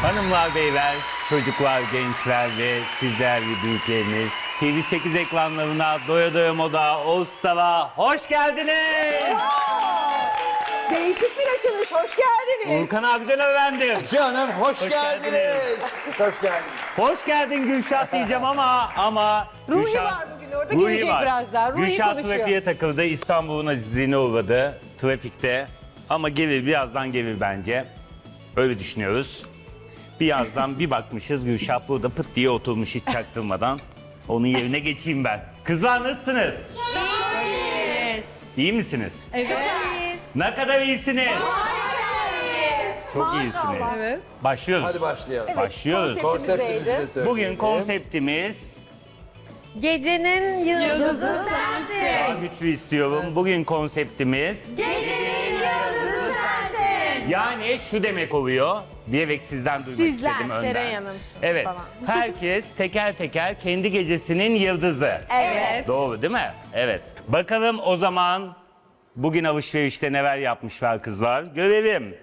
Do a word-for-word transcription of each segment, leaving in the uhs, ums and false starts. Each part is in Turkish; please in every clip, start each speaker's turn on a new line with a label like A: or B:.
A: Hanımlar, beyler, çocuklar, gençler ve sizler ve büyükleriniz T V sekiz ekranlarına Doya Doya Moda All Star'a hoş geldiniz.
B: Değişik bir açılış, hoş geldiniz.
A: Urkan abiden öğrendim.
C: Canım hoş,
A: Hoş
C: geldiniz.
A: geldiniz.
C: Hoş geldiniz.
A: Hoş geldin Gülşah diyeceğim ama ama
B: Ruhi
A: Gülşah-
B: var bugün orada,
A: Ruhi
B: gelecek
A: var.
B: birazdan. Ruhi
A: Gülşah
B: konuşuyor.
A: trafiğe takıldı, İstanbul'un azizliğine uğradı trafikte. Ama gelir, birazdan gelir bence. Öyle düşünüyoruz. Birazdan bir bakmışız Gülşah burada pıt diye oturmuş hiç çaktırmadan. Onun yerine geçeyim ben. Kızlar nasılsınız? İyi misiniz?
D: Evet.
A: Ne kadar iyisiniz? Çok iyisiniz.
D: Evet.
A: Başlıyoruz.
C: Hadi başlayalım.
A: Başlıyoruz.
C: Konseptimizi de söyleyelim.
A: Bugün konseptimiz
D: Gecenin yıldızı sensin.
A: daha güçlü istiyorum. Bugün konseptimiz
D: Gecenin yıldızı sensin.
A: yani şu demek oluyor. Diyerek sizden duymak
B: Sizler,
A: istedim önden.
B: Seren Hanım'sın
A: Evet.
B: falan.
A: Herkes teker teker kendi gecesinin yıldızı.
B: Evet.
A: Doğru değil mi? Evet. Bakalım o zaman bugün alışverişte neler yapmışlar kızlar. Görelim.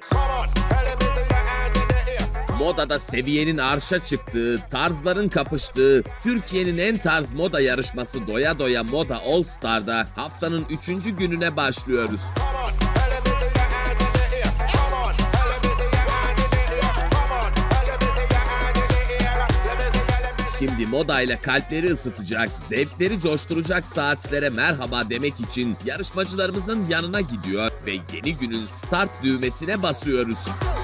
E: Modada seviyenin arşa çıktığı, tarzların kapıştığı, Türkiye'nin en tarz moda yarışması Doya Doya Moda All Star'da haftanın üçüncü gününe başlıyoruz. Şimdi modayla kalpleri ısıtacak, zevkleri coşturacak saatlere merhaba demek için yarışmacılarımızın yanına gidiyor ve yeni günün start düğmesine basıyoruz.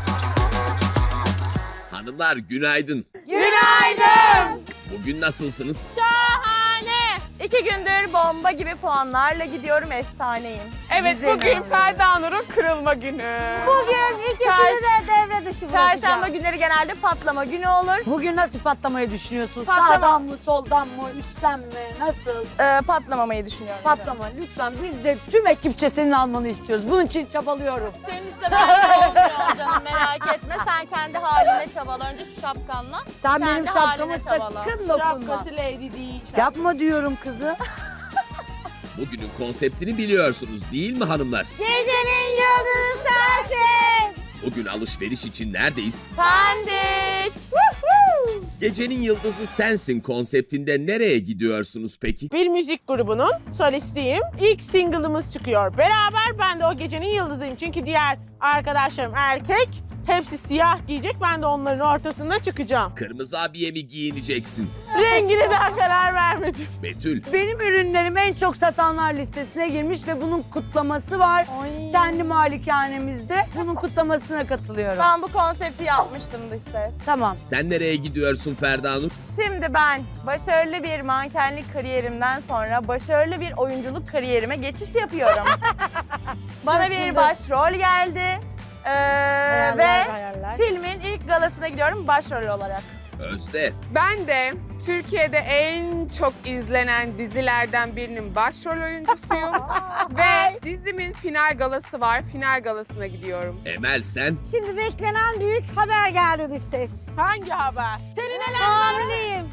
E: Hanımlar günaydın.
D: Günaydın.
E: Bugün nasılsınız?
F: Şahane. İki gündür bomba gibi puanlarla gidiyorum, efsaneyim.
G: Evet, bugün Ferda Nur'un kırılma günü.
F: Bugün ikisini
D: de devre dışı
F: Çarşamba günleri genelde patlama günü olur.
B: Bugün nasıl patlamayı düşünüyorsun?
F: Patlama.
B: Sağdan mı, soldan mı, üstten mi? Nasıl?
F: Ee, patlamamayı düşünüyorum.
B: Patlama lütfen. Biz de tüm ekipçe senin almanı istiyoruz. Bunun için çabalıyorum.
F: Senin istemen de olmuyor canım, merak etme. Sen kendi haline çabala. Önce şu şapkanla.
B: Sen
F: kendi
B: benim şapkama
F: haline çabala.
B: sakın dokunma.
G: Şapkası lady değil.
B: Yapma diyorum kızı.
E: Bugünün konseptini biliyorsunuz değil mi hanımlar?
D: Gecenin yıldızı sensin.
E: Bugün alışveriş için neredeyiz?
F: Pendik.
E: Gecenin yıldızı sensin konseptinde nereye gidiyorsunuz peki?
G: Bir müzik grubunun solistiyim. İlk single'ımız çıkıyor. Beraber ben de o gecenin yıldızıyım. Çünkü diğer arkadaşlarım erkek. Hepsi siyah giyecek. Ben de onların ortasında çıkacağım.
E: Kırmızı abiye mi giyineceksin?
G: Rengine daha karar vermedim.
E: Betül,
B: Benim ürünlerim en çok satanlar listesine girmiş ve bunun kutlaması var. Kendi malikanemizde bunun kutlamasına katılıyorum.
F: Ben bu konsepti yapmıştım dış ses.
B: Tamam.
E: sen nereye gidiyorsun Ferda Nur?
F: Şimdi ben başarılı bir mankenlik kariyerimden sonra başarılı bir oyunculuk kariyerime geçiş yapıyorum. Bana bir başrol geldi. Ee, ve
D: hayaller.
F: filmin ilk galasına gidiyorum başrol olarak.
E: Özde,
G: Ben de Türkiye'de en çok izlenen dizilerden birinin başrol oyuncusuyum. Ve dizimin final galası var. Final galasına gidiyorum.
E: Emel sen,
D: Şimdi beklenen büyük haber geldi dış ses.
G: Hangi haber? Senin neler?
D: Hamileyim.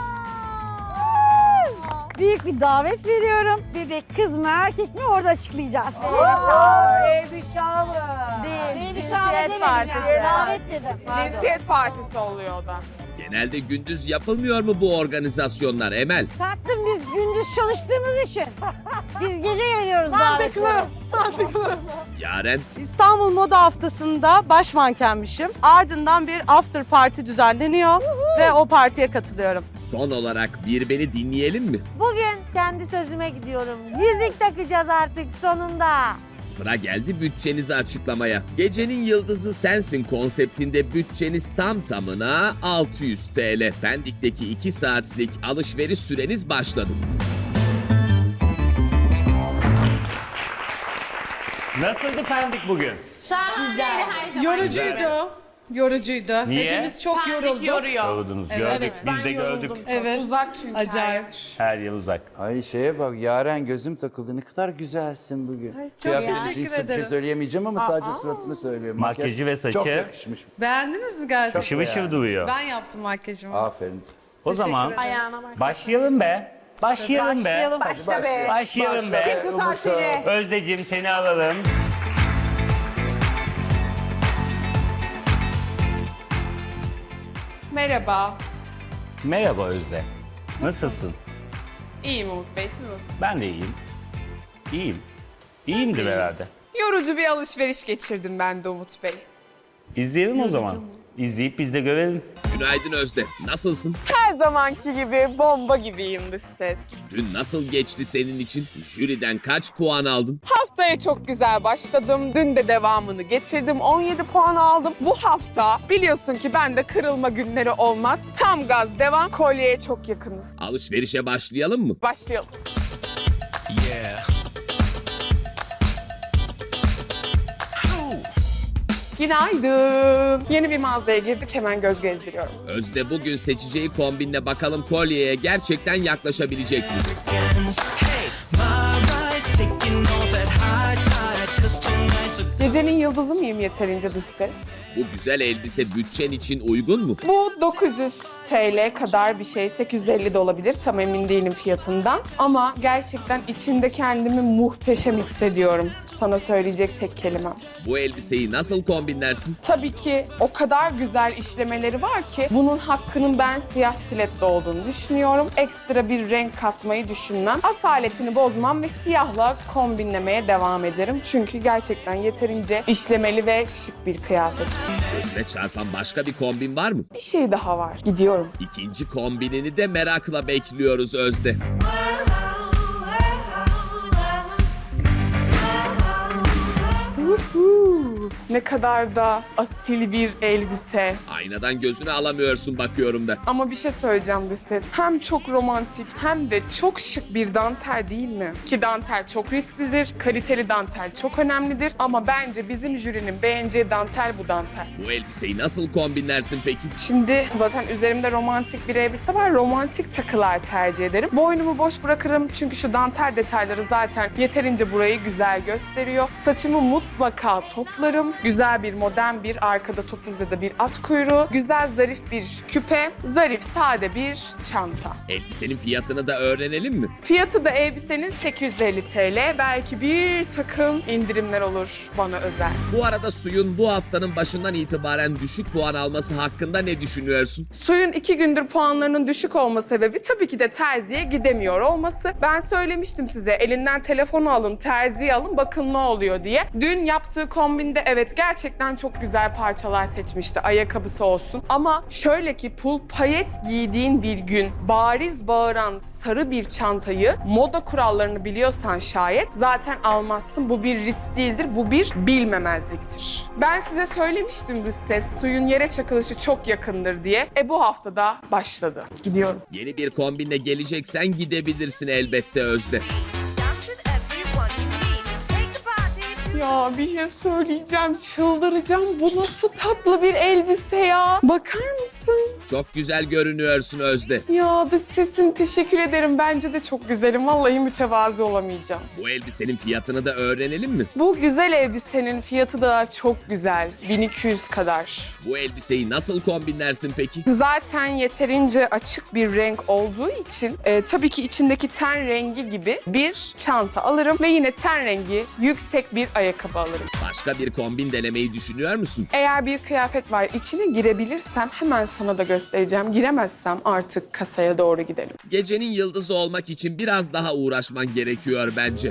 D: Büyük bir davet veriyorum. Bebek kız mı erkek mi orada açıklayacağız.
B: Baby shower.
F: Değil,
D: Baby shower
F: cinsiyet
D: demedim
F: partisi.
D: yani. Davet dedim.
G: Cinsiyet partisi oluyor o da.
E: genelde gündüz yapılmıyor mu bu organizasyonlar Emel?
D: Tatlım biz gündüz çalıştığımız için. Biz gece geliyoruz davetleri.
E: Yaren,
H: İstanbul Moda Haftası'nda baş mankenmişim. Ardından bir after party düzenleniyor ve o partiye katılıyorum.
E: son olarak bir beni dinleyelim mi?
D: Bugün kendi sözüme gidiyorum. Yüzük takacağız artık sonunda.
E: Sıra geldi bütçenizi açıklamaya. Gecenin yıldızı sensin konseptinde bütçeniz tam tamına altı yüz TL. Pendik'teki iki saatlik alışveriş süreniz başladı.
A: Nasıldı Pendik bugün?
H: Yorucuydu. Yorucuydu.
A: Niye?
H: Hepimiz çok yorulduk.
A: Yoruldunuz, gördük. Biz de gördük.
H: Evet. Uzak çünkü. Acayip.
A: Her yıl uzak.
C: Ay şeye bak Yaren gözüm takıldı. Ne kadar güzelsin bugün. çok teşekkür ederim. Bir şey söyleyemeyeceğim ama sadece suratını söylüyorum.
A: Makyajı ve saçı.
C: Çok yakışmış.
H: Beğendiniz mi gerçekten?
A: Işıl ışıl duruyor.
H: Ben yaptım makyajımı.
C: Aferin.
A: O zaman başlayalım be. Başlayalım be.
B: Başla be.
A: Başlayalım be.
B: Tutar seni.
A: Özdeciğim seni alalım.
I: Merhaba.
A: Merhaba Özde. Nasılsın?
I: İyiyim Umut Bey, siz nasılsınız?
A: Ben de iyiyim. İyiyim. İyiyimdir herhalde.
I: Yorucu bir alışveriş geçirdim ben de Umut Bey.
A: İzleyelim o zaman. İzleyip biz de görelim.
E: Günaydın Özde. Nasılsın?
I: Her zamanki gibi bomba gibiyim dış ses.
E: Dün nasıl geçti senin için? Jüriden kaç puan aldın?
I: Haftaya çok güzel başladım. Dün de devamını getirdim. on yedi puan aldım. Bu hafta biliyorsun ki bende kırılma günleri olmaz. Tam gaz devam. Kolyeye çok yakınız.
E: Alışverişe başlayalım mı?
I: Başlayalım. Günaydın. Yeni bir mağazaya girdik. Hemen göz gezdiriyorum.
E: Özde bugün seçeceği kombinle bakalım kolyeye gerçekten yaklaşabilecek mi?
I: Gecenin yıldızı mıyım yeterince dış ses?
E: Bu güzel elbise bütçen için uygun mu?
I: Bu dokuz yüz T L kadar bir şey. sekiz yüz elli de olabilir. Tam emin değilim fiyatından. Ama gerçekten içinde kendimi muhteşem hissediyorum. Sana söyleyecek tek kelimem.
E: Bu elbiseyi nasıl kombinlersin?
I: Tabii ki o kadar güzel işlemeleri var ki bunun hakkının ben siyah stiletto olduğunu düşünüyorum. Ekstra bir renk katmayı düşünmem. Asaletini bozmam ve siyahla kombinlemeye devam ederim. Çünkü gerçekten yeterince işlemeli ve şık bir kıyafet.
E: Gözüne çarpan başka bir kombin var mı?
I: Bir şey daha var. Gidiyorum.
E: İkinci kombinini de merakla bekliyoruz Özde.
I: Uhu, ne kadar da asil bir elbise.
E: Aynadan gözünü alamıyorsun bakıyorum da.
I: Ama bir şey söyleyeceğim dış ses. Hem çok romantik hem de çok şık bir dantel değil mi? Ki dantel çok risklidir. Kaliteli dantel çok önemlidir. Ama bence bizim jürinin beğeneceği dantel bu dantel.
E: Bu elbiseyi nasıl kombinlersin peki?
I: Şimdi zaten üzerimde romantik bir elbise var. Romantik takılar tercih ederim. Boynumu boş bırakırım çünkü şu dantel detayları zaten yeterince burayı güzel gösteriyor. Saçımı mutlaka toplarım. Güzel bir modern bir arkada topuz ya da bir at kuyruğu. Güzel zarif bir küpe. Zarif sade bir çanta.
E: Elbisenin fiyatını da öğrenelim mi?
I: Fiyatı da elbisenin sekiz yüz elli T L. Belki bir takım indirimler olur bana özel.
E: Bu arada Suyun bu haftanın başından itibaren düşük puan alması hakkında ne düşünüyorsun?
I: Suyun iki gündür puanlarının düşük olma sebebi tabii ki de terziye gidemiyor olması. Ben söylemiştim size elinden telefonu alın, terziye alın bakın ne oluyor diye. Dün yaptığı kombinde evet gerçekten çok güzel parçalar seçmişti. Ayakkabısı olsun. Ama şöyle ki pul payet giydiğin bir gün bariz bağıran sarı bir çantayı moda kurallarını biliyorsan şayet zaten almazsın. Bu bir risk değildir. Bu bir bilmemezliktir. Ben size söylemiştim dış ses. Suyun yere çakılışı çok yakındır diye. E bu haftada başladı. Gidiyorum.
E: Yeni bir kombinle geleceksen gidebilirsin elbette Özde.
I: Ya bir şey söyleyeceğim, çıldıracağım. Bu nasıl tatlı bir elbise ya. Bakar mısın?
E: Çok güzel görünüyorsun Özde.
I: Ya dış sesin teşekkür ederim. Bence de çok güzelim. Vallahi mütevazi olamayacağım.
E: Bu elbisenin fiyatını da öğrenelim mi?
I: Bu güzel elbisenin fiyatı da çok güzel. bin iki yüz kadar.
E: Bu elbiseyi nasıl kombinlersin peki?
I: Zaten yeterince açık bir renk olduğu için e, tabii ki içindeki ten rengi gibi bir çanta alırım ve yine ten rengi yüksek bir ayakkabı alırım.
E: Başka bir kombin denemeyi düşünüyor musun?
I: Eğer bir kıyafet var içine girebilirsem hemen sana da göstereceğim. Giremezsem artık kasaya doğru gidelim.
E: Gecenin yıldızı olmak için biraz daha uğraşman gerekiyor bence.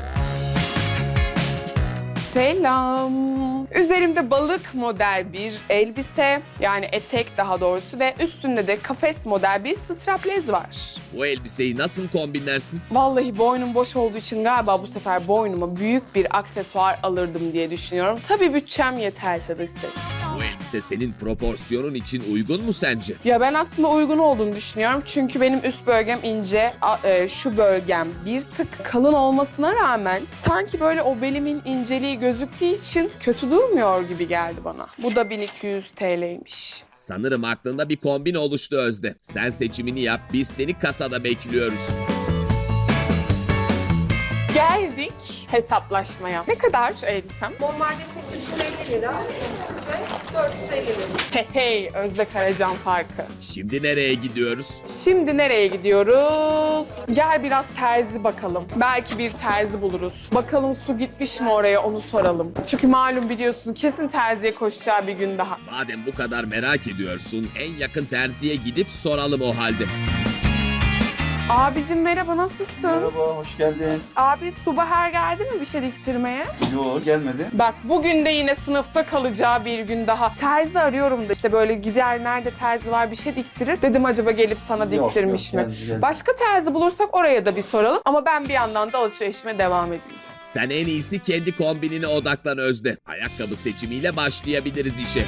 I: Selam. Üzerimde balık model bir elbise, yani etek daha doğrusu ve üstünde de kafes model bir straplez var.
E: Bu elbiseyi nasıl kombinlersin?
I: Vallahi boynum boş olduğu için galiba bu sefer boynuma büyük bir aksesuar alırdım diye düşünüyorum. Tabii bütçem yeterse de size.
E: Bu elbise senin proporsiyonun için uygun mu sence?
I: Ya ben aslında uygun olduğunu düşünüyorum. Çünkü benim üst bölgem ince, a- e, şu bölgem bir tık kalın olmasına rağmen sanki böyle o belimin inceliği gözüktüğü için kötü durmuyor gibi geldi bana. Bu da bin iki yüz T L'ymiş.
E: Sanırım aklında bir kombin oluştu Özde. Sen seçimini yap, biz seni kasada bekliyoruz.
I: Geldik hesaplaşmaya. Ne kadar elbisem?
G: Normalde sekiz yüz elli lira, size dört yüz elli lira.
I: Hey hey, Özde Karacan farkı.
E: Şimdi nereye gidiyoruz?
I: Şimdi nereye gidiyoruz? Gel biraz terzi bakalım. Belki bir terzi buluruz. Bakalım su gitmiş mi oraya, onu soralım. Çünkü malum biliyorsun kesin terziye koşacağı bir gün daha.
E: Madem bu kadar merak ediyorsun, en yakın terziye gidip soralım o halde.
I: Abicim merhaba, nasılsın?
C: Merhaba, hoş geldin.
I: Abi Subaher geldi mi bir şey diktirmeye?
C: Yo, gelmedi.
I: Bak bugün de yine sınıfta kalacağı bir gün daha. Terzi arıyorum da işte böyle gider nerede terzi var bir şey diktirir. Dedim acaba gelip sana
C: Yok,
I: diktirmiş
C: yok,
I: mi?
C: geldi, geldi.
I: Başka terzi bulursak oraya da bir soralım. Ama ben bir yandan da alışverişime devam edeyim.
E: Sen en iyisi kendi kombinine odaklan Özde. Ayakkabı seçimiyle başlayabiliriz işe.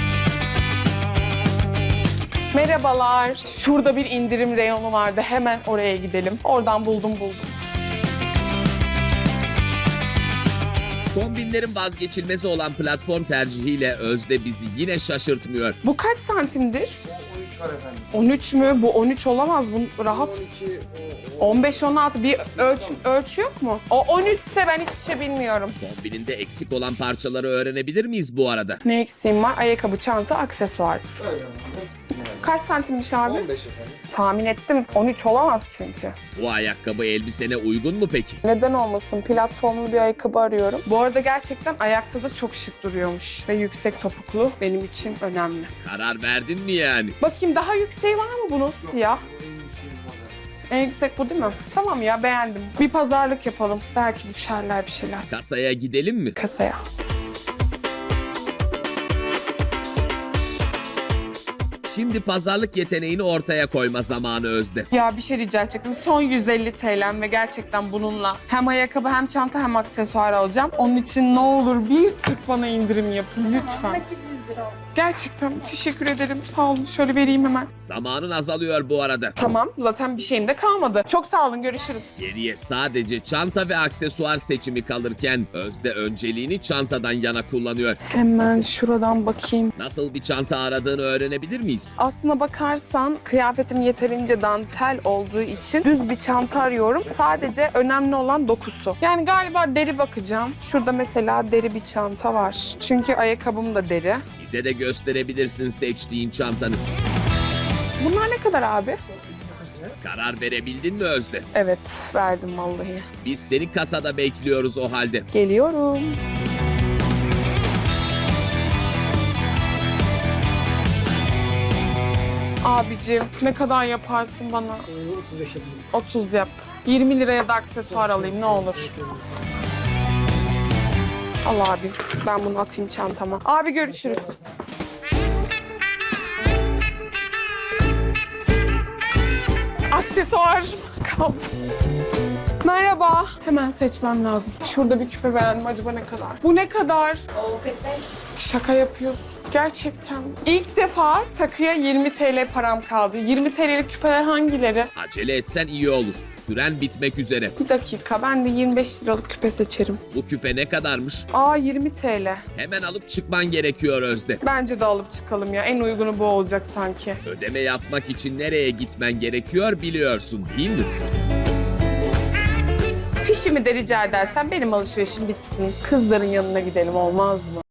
I: Merhabalar. Şurada bir indirim reyonu vardı. Hemen oraya gidelim. Oradan buldum buldum.
E: Kombinlerin vazgeçilmezi olan platform tercihiyle Özde bizi yine şaşırtmıyor.
I: Bu kaç santimdir?
C: on üç var efendim.
I: on üç mü? Bu on üç olamaz. Bu rahat. on beş on altı bir ölç, ölçü yok mu? O on üç ise ben hiçbir şey bilmiyorum.
E: Kombininde eksik olan parçaları öğrenebilir miyiz bu arada?
I: Ne eksiğim var? Ayakkabı, çanta, aksesuar. Kaç santimmiş abi?
C: on beş efendim.
I: Tahmin ettim. on üç olamaz çünkü.
E: Bu ayakkabı elbisene uygun mu peki?
I: Neden olmasın? Platformlu bir ayakkabı arıyorum. Bu arada gerçekten ayakta da çok şık duruyormuş. Ve yüksek topuklu benim için önemli.
E: Karar verdin mi yani?
I: Bakayım daha yükseği var mı bunun? Siyah. En yüksek bu değil mi? Tamam ya, beğendim. Bir pazarlık yapalım. Belki düşerler bir şeyler.
E: Kasaya gidelim mi?
I: Kasaya.
E: Şimdi pazarlık yeteneğini ortaya koyma zamanı Özde.
I: Ya bir şey rica edecektim. Son yüz elli T L'm ve gerçekten bununla hem ayakkabı hem çanta hem aksesuar alacağım. Onun için ne olur bir tık bana indirim yapın lütfen. Gerçekten teşekkür ederim. Sağ olun. Şöyle vereyim hemen.
E: Zamanın azalıyor bu arada.
I: Tamam. Zaten bir şeyim de kalmadı. Çok sağ olun. Görüşürüz.
E: Geriye sadece çanta ve aksesuar seçimi kalırken Özde önceliğini çantadan yana kullanıyor.
I: Hemen şuradan bakayım.
E: Nasıl bir çanta aradığını öğrenebilir miyiz?
I: Aslına bakarsan kıyafetim yeterince dantel olduğu için düz bir çanta arıyorum. Sadece önemli olan dokusu. Yani galiba deri bakacağım. Şurada mesela deri bir çanta var. Çünkü ayakkabım da deri.
E: Bize de gösterebilirsin seçtiğin çantanı.
I: Bunlar ne kadar abi?
E: Karar verebildin mi Özde?
I: Evet, verdim vallahi.
E: Biz seni kasada bekliyoruz o halde.
I: Geliyorum. Abicim ne kadar yaparsın bana? otuz beş yapayım. otuz yap. yirmi liraya da aksesuar alayım ne olur. Al abi. Ben bunu atayım çantama. Abi görüşürüz. Aksesuar kaldı. Merhaba. Hemen seçmem lazım. Şurada bir küpe beğendim. Acaba ne kadar? Bu ne kadar? Şaka yapıyorsun. Gerçekten. İlk defa takıya yirmi T L param kaldı. yirmi T L'lik küpeler hangileri?
E: Acele etsen iyi olur. Süren bitmek üzere.
I: Bir dakika. Ben de yirmi beş liralık küpe seçerim.
E: Bu küpe ne kadarmış?
I: Aa yirmi T L.
E: Hemen alıp çıkman gerekiyor Özde.
I: Bence de alıp çıkalım ya. En uygunu bu olacak sanki.
E: Ödeme yapmak için nereye gitmen gerekiyor biliyorsun değil mi?
I: Fişimi de rica edersen benim alışverişim bitsin. Kızların yanına gidelim olmaz mı?